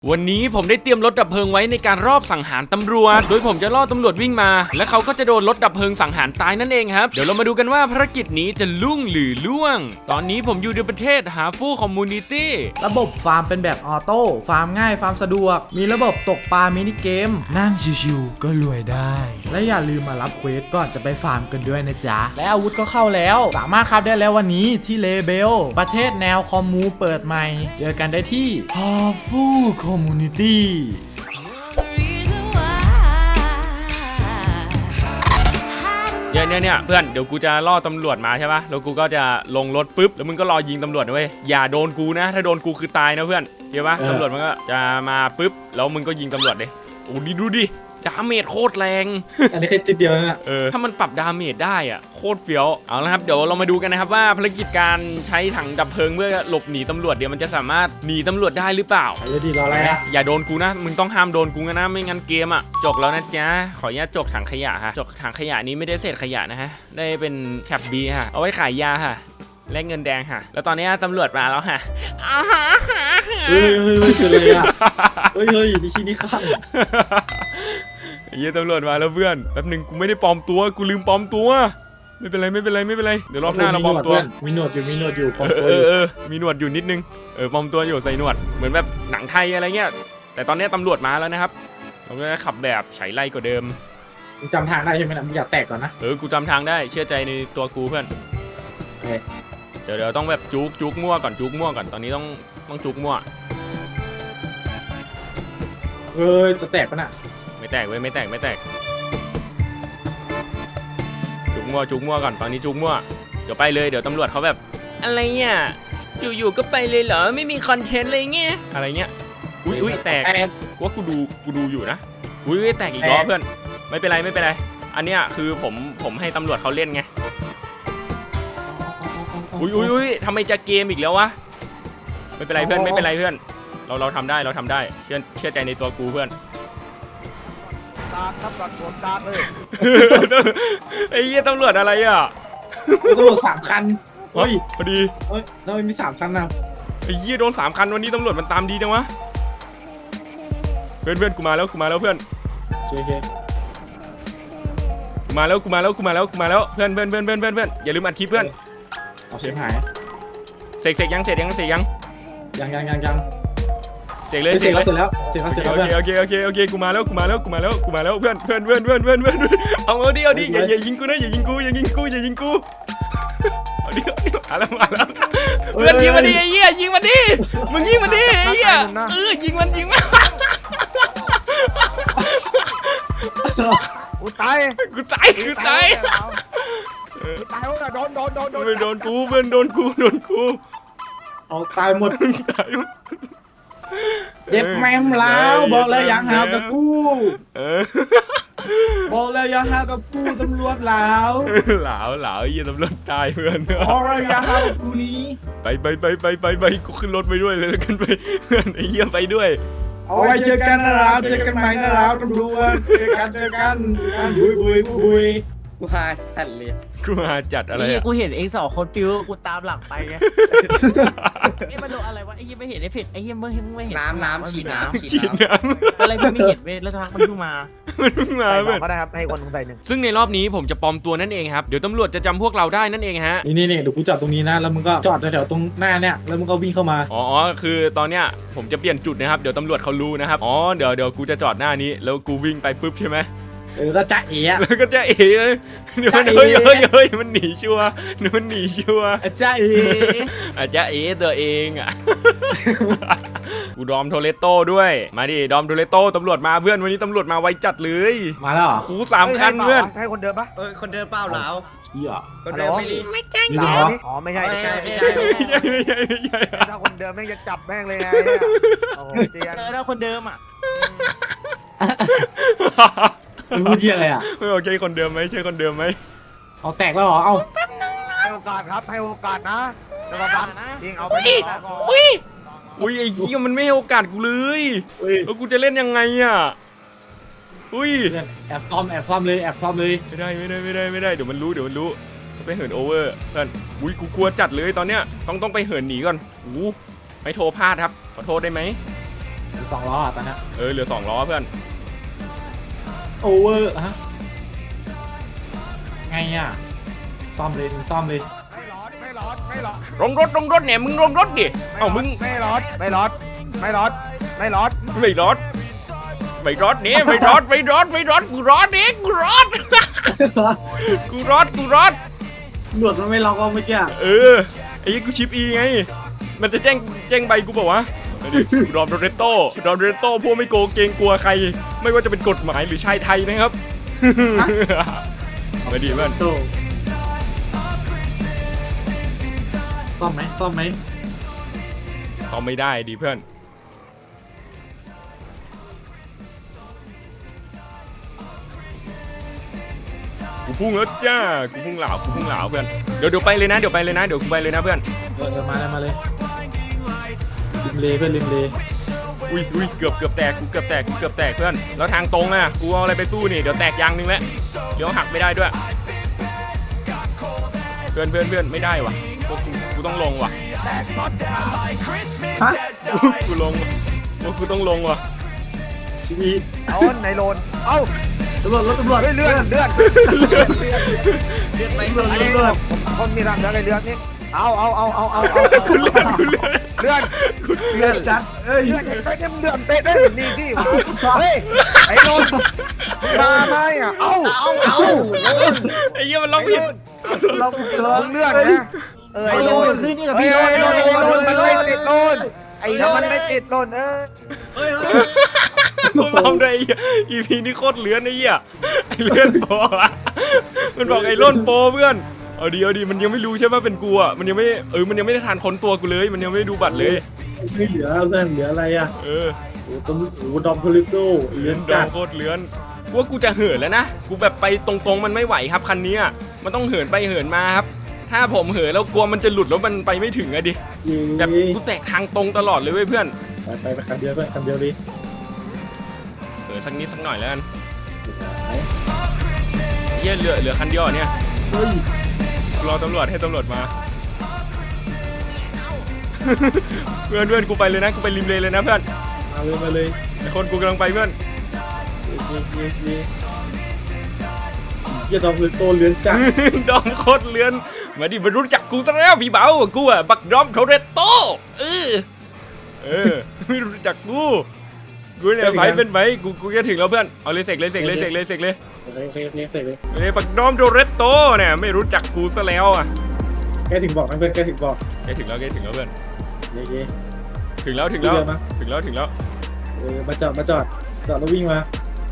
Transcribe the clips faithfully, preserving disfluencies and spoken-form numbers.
วันนี้ผมได้เตรียมรถดับเพลิงไว้ในการรอบสังหารตำรวจโดยผมจะล่อตำรวจวิ่งมาและเขาก็จะโดนรถดับเพลิงสังหารตายนั่นเองครับเดี๋ยวเรามาดูกันว่าภารกิจนี้จะลุ่งหรือล่วงตอนนี้ผมอยู่ในประเทศหาฟู่คอมมูนิตี้ระบบฟาร์มเป็นแบบออโต้ฟาร์มง่ายฟาร์มสะดวกมีระบบตกปลามินิเกมนั่งชิวๆก็รวยได้และอย่าลืมมารับเควสก่อนจะไปฟาร์มกันด้วยนะจ๊ะและอาวุธก็เข้าแล้วสามารถครับได้แล้ววันนี้ที่เลเบลประเทศแนวคอมมูเปิดใหม่เจอกันได้ที่ฮาฟู่คอมมูนิตี้เนี่ยเนี่ยเนี่ยเพื่อนเดี๋ยวกูจะล่อตำรวจมาใช่ปะแล้วกูก็จะลงรถปุ๊บแล้วมึงก็รอยิงตำรวจนะเว้ยอย่าโดนกูนะถ้าโดนกูคือตายนะเพื่อนเห็นปะตำรวจมันก็จะมาปุ๊บแล้วมึงก็ยิงตำรวจเลยโอ้ดิดูดิดาเมจโคตรแรงอันนี้แค่จุดเดียวนะเออถ้ามันปรับดาเมจได้อ่ะโคตรเฟี้ยวเอาละครับเดี๋ยวเรามาดูกันนะครับว่าภารกิจการใช้ถังดับเพลิงเพื่อหลบหนีตำรวจเดี๋ยวมันจะสามารถหนีตำรวจได้หรือเปล่าเดี๋ยวดีรออะไรอ่ะอย่าโดนกูนะมึงต้องห้ามโดนกูนะไม่งั้นเกมอ่ะจกแล้วนะจ๊ะขออนุญาตจกถังขยะฮะจกถังขยะนี้ไม่ได้เศษขยะนะฮะได้เป็นแคปบีฮะเอาไว้ขายยาฮะแลกเงินแดงค่ะแล้วตอนนี้ตำรวจมาแล้วค่ะเฮ้ยเฮ้ยเฮ้ยคืออะไรอ่ะเฮ้ยเฮ้ยนี่ชี้นี่ข้างเยี่ยตำรวจมาแล้วเพื่อนแป๊บหนึ่งกูไม่ได้ปลอมตัวกูลืมปลอมตัวไม่เป็นไรไม่เป็นไรไม่เป็นไรเดี๋ยวรอบหน้าเราปลอมตัวมีหนวดอยู่มีหนวดอยู่ปลอมตัวเออเออมีหนวดอยู่นิดนึงเออปลอมตัวอยู่ใส่หนวดเหมือนแบบหนังไทยอะไรเงี้ยแต่ตอนนี้ตำรวจมาแล้วนะครับเราก็ขับแบบไฉไล่กว่าเดิมมึงจำทางได้ใช่ไหมนะมึงอย่าแตกก่อนนะเออกูจำทางได้เชื่อใจในตัวกูเพื่อนเดี๋ยวเดี๋ยวต้องแบบจุกจุกมั่วก่อนจุกมั่วก่อนตอนนี้ต้องต้องจุกมั่วเออจะแตกปะน่ะไม่แตกเว้ยไม่แตกไม่แตกจุกมั่วจุกมั่วก่อนตอนนี้จุกมั่วเดี๋ยวไปเลยเดี๋ยวตำรวจเขาแบบอะไรเนี่ยอยู่ๆก็ไปเลยเหรอไม่มีคอนเทนต์อะไรเงี้ยอะไรเงี้ยอุ้ยอุ้ยแตกกูว่ากูดูกูดูอยู่นะอุ้ยแตกอีกรอบเพื่อนไม่เป็นไรไม่เป็นไรอันเนี้ยคือผมผมให้ตำรวจเขาเล่นไงอุ้ยอุ้ยอุ้ยทำไมจะเกมอีกแล้ววะไม่เป็นไรเพื่อนไม่เป็นไรเพื่อนเราเราทำได้เราทำได้เชื่อเชื่อใจในตัวกูเพื่อนตาครับก่อนผมตาเลยไอ้เหี้ยตำรวจอะไรอ่ะตำรวจสามคันเฮ้ยพอดีเฮ้ยเรามีสามคันนะไอ้เหี้ยโดนสามคันวันนี้ตำรวจมันตามดีจังวะเพื่อนเพื่อนกูมาแล้วกูมาแล้วเพื่อนโอเคกูมาแล้วกูมาแล้วกูมาแล้วกูมาแล้วเพื่อนเพื่อนเพื่อนเพื่อนเพื่อนเพื่อนอย่าลืมอัดคลิปเพื่อนเอาเสียงหายเสกเสกยังเสร็จยังเสร็จยังยังยังยังยังเสกเลยเสร็จแล้วเสร็จแล้วเสร็จแล้วเสร็จแล้วโอเคโอเคโอเคโอเคกูมาแล้วกูมาแล้วกูมาแล้วกูมาแล้วเพื่อนเพื่อนเพื่อนเพื่อนเพื่อนเพื่อนเอาเอาดิเอาดิอย่าอย่ายิงกูนะอย่ายิงกูอย่ายิงกูอย่ายิงกูเอาดิเอาดิมาแล้วมาแล้วเพื่อนยิงมันดิไอ้เหี้ยยิงมันดิมึงยิงมันดิไอ้เหี้ยเออยิงมันยิงมันกูตายกูตายกูตายตายว่าโดนโดนโดนโดนไม่โดนกูเพื่อนโดนกูโดนกูเอาตายหมดตายเด็กแมมแล้วบอกแล้วยังหากับกูบอกแล้วยังหากับกูตำรวจแล้วหลาวหลาวยี่ตำรวจตายเพื่อนบอกแล้วยังหากับกูนี้ไปไปไปไปไปไปกูขึ้นรถไปด้วยเลยแล้วกันไปเพื่อนไอ้เหี้ยไปด้วยเอาไว้เจอกันนะครับเจอกันใหม่นะครับตำรวจเจอกันเจอกันบุยบุยบุยกูหาจัดเลยกูหาจัดอะไรอ่ะกูเห็นเองสองคนปิ้วกูตามหลังไปไงไอ้มันโดนอะไรวะไอ้เหี้ยไม่เห็นไอ้เผ็ดไอ้เหี้ยไม่เห็นไม่เห็นน้ำน้ำฉีดน้ำฉีดน้ำอะไรไม่เห็นเว้ยแล้วทางมันขึ้นมามันขึ้นมาเว้ยก็ได้ครับให้คนใส่หนึ่งซึ่งในรอบนี้ผมจะปลอมตัวนั่นเองครับเดี๋ยวตำรวจจะจำพวกเราได้นั่นเองฮะนี่นี่เดี๋ยวกูจอดตรงนี้นะแล้วมึงก็จอดแถวตรงหน้าเนี่ยแล้วมึงก็วิ่งเข้ามาอ๋อคือตอนเนี้ยผมจะเปลี่ยนจุดนะครับเดี๋ยวตำรวจเขารู้นะครับอ๋อเดี๋ยวเดี๋ยวกูจะจอดหน้านี้แล้วกูวิ่งไปปุ๊บใช่ไหมเออก็จะเอ๋แล้วก็จะเอ๋เดี๋ยวมันเฮ้ยเฮ้ยเฮ้ยมันหนีชัวร์มันหนีชัวร์จะเอ๋อาจจะเอ๋ตัวเองอ่ะกูดอมโทเลโต้ด้วยมาดิดอมโทเลโต้ตำรวจมาเพื่อนวันนี้ตำรวจมาไวจัดเลยมาแล้วกูสามคันเพื่อนให้คนเดินปะเออคนเดินเปล่าแล้วเหี้ยคนเดินไม่ไม่ใช่เหรออ๋อไม่ใช่ไม่ใช่ไม่ใช่ไม่ใช่ไม่ใช่ไม่ใช่ถ้าคนเดิมแม่งจะจับแม่งเลยไงโอ้เตียนเออถ้าคนเดิมอ่ะมึงพูดยังไงอ่ะไม่โอเคคนเดิมไหมใช่คนเดิมไหมเอาแตกแล้วเหรอเอาให้โอกาสครับให้โอกาสนะจะมาบังนะยิงเอาไปก่อนอุ้ยอุ้ยไอ้เหี้ยมันไม่ให้โอกาสกูเลยแล้วกูจะเล่นยังไงอ่ะอุ้ยแอบซ้อมแอบซ้อมเลยแอบซ้อมเลยไม่ได้ไม่ได้ไม่ได้ไม่ได้เดี๋ยวมันรู้เดี๋ยวมันรู้ไปเหินโอเวอร์เพื่อนอุ้ยกูกลัวจัดเลยตอนเนี้ยต้องต้องไปเหินหนีก่อนอู้ไม่โทรพลาดครับขอโทษได้ไหมสองล้ออ่ะตอนนี้เออเหลือสองล้อเพื่อนโอเวอร์ฮะไงอ่ะซ่อมเลยมึงซ่อมเลยไม่ร้อนไม่ร้อนไม่ร้อนลงรถลงรถเนี่ยมึงลงรถดิเอ้ามึงไม่ร้อนไม่ร้อนไม่ร้อนไม่ร้อนไม่รถไม่รถนี่ไม่รถไม่รถไม่รถกูรถนี่กูรถ กูรถกูรถหนวดมันไม่ล็อกว่าเมื่อกี้เออไอ้ยี่กูชิปอีไงมันจะแจ้งแจ้งใบกูบอกว่าดอมโดเรโต้ดอมโดเรโต้พวกไม่โกงเกรงกลัวใคร ไม่ว่าจะเป็นกฎหมายหรือชายไทยนะครับ มาดีเพื่อนโตซ่อมไหมซ่อมไหมเขาไม่ได้ดีเพื่อนกูพุ่งแล้วจ้ากูพุ่งเหลากูพุ่งเหลาเพื่อนเดี๋ยวเดี๋ยวไปเลยนะเดี๋ยวไปเลยนะเดี๋ยวกูไปเลยนะเพื่อนเออเออมาเลยมาเลยริมเลเพื่อนริมเลอุ้ยอุ้ยเกือบเกือบแตกกูเกือบแตกกูเกือบแตกเพื่อนแล้วทางตรงอ่ะกูเอาอะไรไปสู้นี่เดี๋ยวแตกยางนึงแล้วเดี๋ยวหักไม่ได้ด้วยเพื่อนเพื่อนเพื่อนไม่ได้ว่ะพวกกูกูต้องลงว่ะฮะกูลงพวกกูต้องลงว่ะชีวีเอาไหนโลนเอ้าตำรวจรถตำรวจเฮ้ยเลื่อนเลื่อนเลื่อนไปตำรวจอันเลื่นี้อนเลื่อนคนมีรังเลื่อนอะไรเลื่อนนี่เอาเอาเอาเอาเอาเอากูเลื่อนกูเลื่อนเลื่อนเลื่อนจัดเอ้ยเลื่อนไปเนี่ยเลื่อนเตะได้นี่ที่เฮ้ยไอ้โลนมาไหมอ่ะเอ้าเอาเอาไอ้เหี้ยมันล็อกผิดล็อกเกินมึงเลื่อนนะเออไอ้ไอ้โลโลนนคือนี่กับไอ้พี่โลโลนนไอ้โลนมันไม่ติดโลนไอ้ไอ้โลถ้าน มันไม่ติดโลนเออเฮ้ยกูทำได้ไอ้เหี้ย อี พี นี้โคตรเลื้อนไอ้เหี้ยไอ้เลื้อนโปอะมันบอกไอ้ล่นโปเพื่อนเอาดีเอาดีมันยังไม่รู้ใช่ไหมเป็นกูอ่ะมันยังไม่เออมันยังไม่ได้ทานค้นตัวกูเลยมันยังไม่ได้ดูบัตรเลยไม่เหลือเพื่อนเหลืออะไรอ่ะเออโอ้ต้มโอ้ดอมพลิโต้เลื่อนดอจังดโคตรเลื้อนกูว่ากูจะเหินแล้วนะกูแบบไปตรงๆมันไม่ไหวครับคันนี้อะมันต้องเหินไปเหินมาครับถ้าผมเหินแล้วกลัวมันจะหลุดแล้วมันไปไม่ถึงอะดิแบบกูแตกทางตรงตลอดเลยเว้ยเพื่อนไปไปไปคันเดียวเพื่อนคันเดียวดิเหินสักนิดสักหน่อยแล้วกันเหี้ยเหลือเหลือคันเดียวอะเนี่ยเฮ้ยรอตำรวจให้ตำรวจมา เพื่อนเพื่อนกูไปเลยนะกูไปริมเลเลยนะเพื่อนมาเลยมาเลยไอคนกูกำลังไปเพื่อนเย้เย้เย้เย้ดอมพลิโต้เลื่อนจัดดอมโคตรเลือนมาดิมารู้จักกูซะแล้วพี่เบากูอะบักดอมโทเรโตเออเออไม่รู้จักกูกูเนี่ยไปเป็นไปกูกูจะถึงแล้วเพื่อนเอาเลยเสกเลยเสกเลยเสกเลยเสกเลยโอเคโอเคโอเคเสร็จเลยเอ้ยบักดอมโทเรโตเนี่ยไม่รู้จักกูซะแล้วอะแกถึงบอกนะเพื่อนแกถึงบอกแกถึงแล้วแกถึงแล้วเพื่อนเย้เย้ถึงแล้วถึงแล้วเดี๋ยวนะถึงแล้วถึงแล้วเออมาจอดมาจอดจอดแล้ววิ่งมา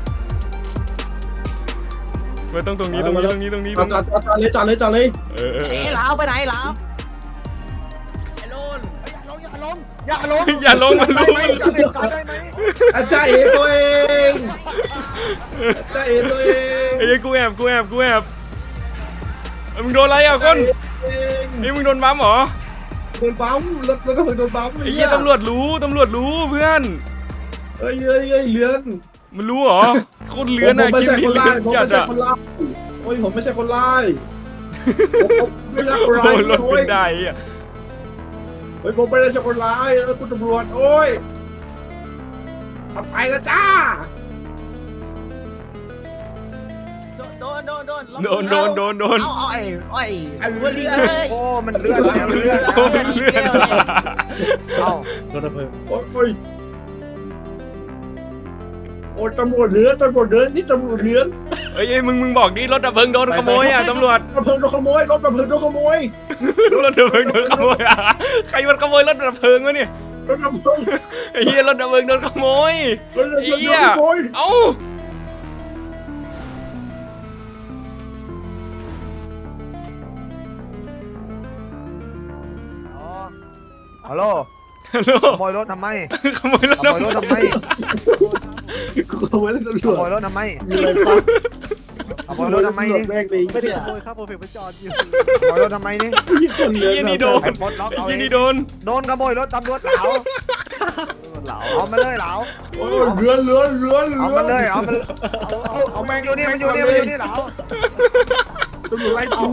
เพื่อนต้องตรงนี้ตรงนี้ตรงนี้ตรงนี้ตจรอง ดจอนี้ดจอดจอดเลยจอดเลยจอดเลยเออเออเอไอ้อลาวไปไหนลาวอย่าลงอย่าลงอย่าลงอย่าลงมันรู้ได้มันไหมรู้ได้ไหมอาจารย์เอตัวเองอาจารย์เอตัวเองไอ้ยกูแอบกูแอบกูแอบเอ้ยมึงโดนอะไรอ่ะก้นเองไอ้ยมึงโดนบัมเหรอโดนปั๊มรถรถก็เพิ่งโดนปั๊มไอ้เหี้ยตำรวจรู้ตำรวจรู้เพื่อนเอ้ยเอ้ยเอ้ยเลือนมันรู้เหรอโคตรเลื้อนผมอะไม่คลิปใช่นี้คนเลื้ร้าอย นผมจัไม่ดใช่อะคนร้ายโอ้ยผมไม่ใช่คนร้ายผมไม่ใช่คนโดร้ายนรถโอ้เป็ยนได้อะเฮ้ยผมไม่ได้ใช่คนร้ายแล้วคุณตำรวจโอ้ยทำไปแล้วจ้าโดนโดนโดนโดนโดนโดนโดนเอาเอาไอ้ไอ้ไอ้วันนี้เอ้ยโอ้มันเลื่อนแล้วเลื่อนแล้วโดนเลื่อนเอ้าโดนระเบิดโอ้ยโอ้ยโอ้ยตำรวจเลือนตำรวจเลือนนี่ตำรวจเลือนเอ้ยเอ้ยมึงมึงบอกดิรถดับเพลิงโดนขโมยอ่ะตำรวจระเบิดโดนขโมยรถระเบิดโดนขโมยรถดับเพลิงโดนขโมยอ่ะใครมันขโมยรถดับเพลิงวะเนี่ยรถระเบิดไอ้เหี้ยรถดับเพลิงโดนขโมยรถระไอ้เบิดโดเหี้ยนขโมยเอ้าฮัลโหลฮัลโหลขโมยรถทำไมขโมยรถขดับโมยเพรลิถงทำไมกูขโมยรถตำรขวจโมยรถทำไมมีอะไรปะขโมยรถทำไมนี่แม่งเลยไม่ได้ขโมยครับโปรเฟกต์ไปจอดอยู่ขโมยรถทำไมนี่คนไอ้เลือนเหี้ยนี่โดนไอ้ปลดล็อกไอ้เอาเหี้ยเองนี่โดนโดนขโมยรถตำรวจเหลาเหลาเอามาเลยเหลาโอ้ยเลือนเลือนเลือนเลืเอาอนมาเลยเอามาเอาเอาเอาแมงอยู่นี่มันอยู่นี่มันอยู่นี่เหลาตำรวจไล่กู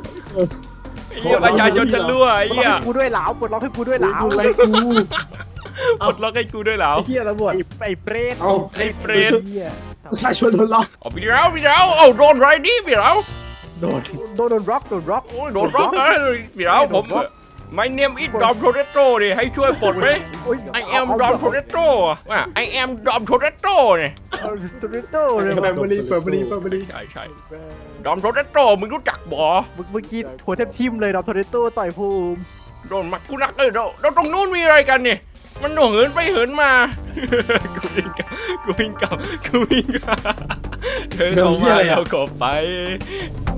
ไอ้เหี้ยประชาชนจะรั่วไอ้เหี้ยกูด้วยเหลาปลดล็อกให้กูด้วยเหลาตำรวจไล่กูปลดล็อกให้กูด้วยเหรอไอ้เหี้ยตำรวจไอ้เปรตเอาไอ้เปรตเหี้ยประชาชนโดนล็อกเอาพี่แล้วพี่แล้วเอาโดนไรดิพี่แล้วโดนโดนโดนร็อกโดนร็อกโอ้ยโดนล็อกเลยพี่แล้วผม My name is Dom Toretto ดิให้ช่วยปลดไหม I am Dom Toretto อ่ะ I am Dom Toretto เนี่ยโตเรโต้เลยแฟมิลี่แฟมิลี่แฟมิลี่ใช่ใช่ Dom Toretto มึงรู้จักบ่เมื่อกี้หัวแทบทิ่มเลยดอมโตเรโต้ต่อยภูมิโดนมักกูนักเลยเราเราตรงนู้นมีอะไรกันเนี่ยมันเหินไปเหินมา กูวิ่งกลับกูวิ่งกลับกูวิ่งกลับเธอเข้ามาแล้วก็ไป